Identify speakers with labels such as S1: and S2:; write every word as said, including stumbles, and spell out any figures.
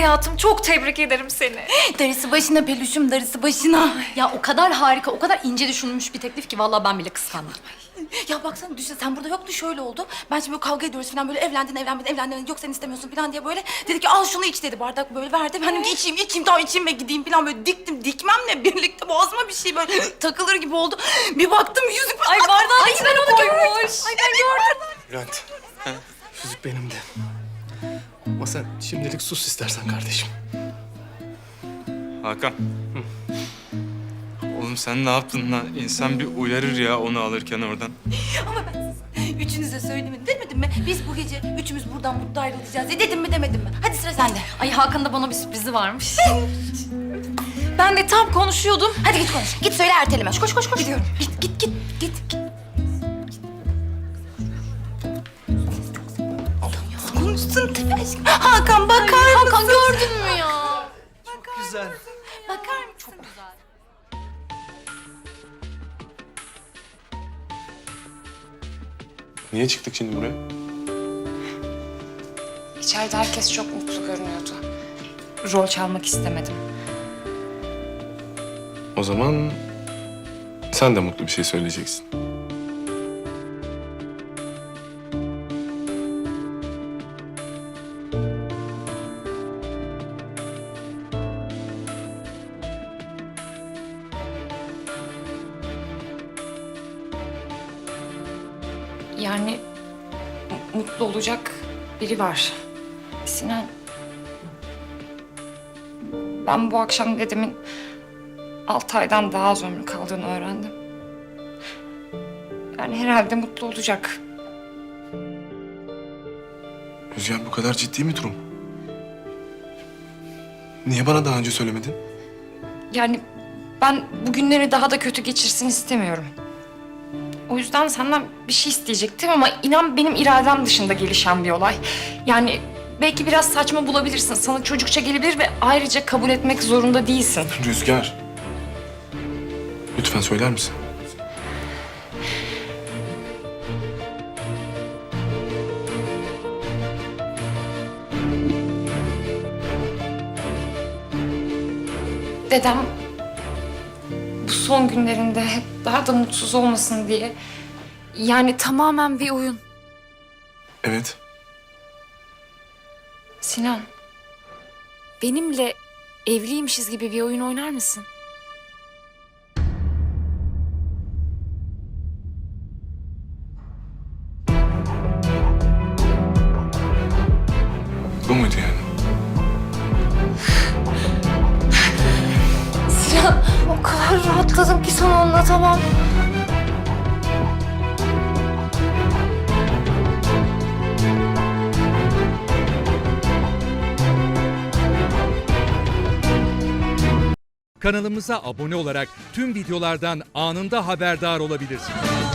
S1: hayatım, çok tebrik ederim seni.
S2: Darısı başına peluşum, darısı başına.
S1: Ya o kadar harika, o kadar ince düşünülmüş bir teklif ki vallahi ben bile kıskandım.
S2: Ya baksana düşün, sen burada yoktu, şöyle oldu. Ben şimdi böyle kavga ediyoruz falan, böyle evlendin evlenmedin evlendin, yok sen istemiyorsun falan diye böyle. Dedi ki al şunu iç dedi, bardak böyle verdi. Ben dedim ki içeyim içeyim tamam içeyim ve gideyim falan, böyle diktim dikmemle birlikte boğazıma bir şey böyle takılır gibi oldu. Bir baktım yüzük.
S1: Ay bardağın içine onu koymuş.
S2: Ay ben gördüm.
S3: Bülent, yüzük benim de. Ama sen şimdilik sus istersen kardeşim.
S4: Hakan. Oğlum sen ne yaptın lan? İnsan bir uyarır ya onu alırken oradan.
S2: Ama ben size üçünüze söylemedim demedim mi? Biz bu gece üçümüz buradan mutlu ayrılacağız diye dedim mi demedim mi? Hadi sıra sende.
S1: Ay Hakan'ın da bana bir sürprizi varmış. Ben de tam konuşuyordum.
S2: Hadi git konuş. Git söyle erteleme. Koş koş koş. Gidiyorum. Git git git git. git. Konuşsun tabii aşkım. Hakan bakar mısın?
S1: Hakan gördün mü ya?
S3: Güzel.
S2: Bakar mısın? Çok güzel.
S3: Niye çıktık şimdi buraya?
S5: İçeride herkes çok mutlu görünüyordu. Rol çalmak istemedim.
S3: O zaman sen de mutlu bir şey söyleyeceksin.
S5: Yani mu- mutlu olacak biri var. Sinan. Ben bu akşam dedemin altı aydan daha az ömrü kaldığını öğrendim. Yani herhalde mutlu olacak.
S3: Rüzgar bu kadar ciddi mi durum? Niye bana daha önce söylemedin?
S5: Yani ben bu günleri daha da kötü geçirsin istemiyorum. O yüzden senden bir şey isteyecektim ama inan benim iradem dışında gelişen bir olay. Yani belki biraz saçma bulabilirsin, sana çocukça gelebilir ve ayrıca kabul etmek zorunda değilsin.
S3: Rüzgar. Lütfen söyler misin?
S5: Dedem bu son günlerinde daha da mutsuz olmasın diye yani
S1: Tamamen bir oyun.
S3: Evet.
S5: Sinan.
S1: Benimle evliymişiz gibi bir oyun oynar mısın?
S3: Bu muydu yani?
S1: Sinan, o kadar rahatladım ki sana anlatamam.
S6: Kanalımıza abone olarak tüm videolardan anında haberdar olabilirsiniz.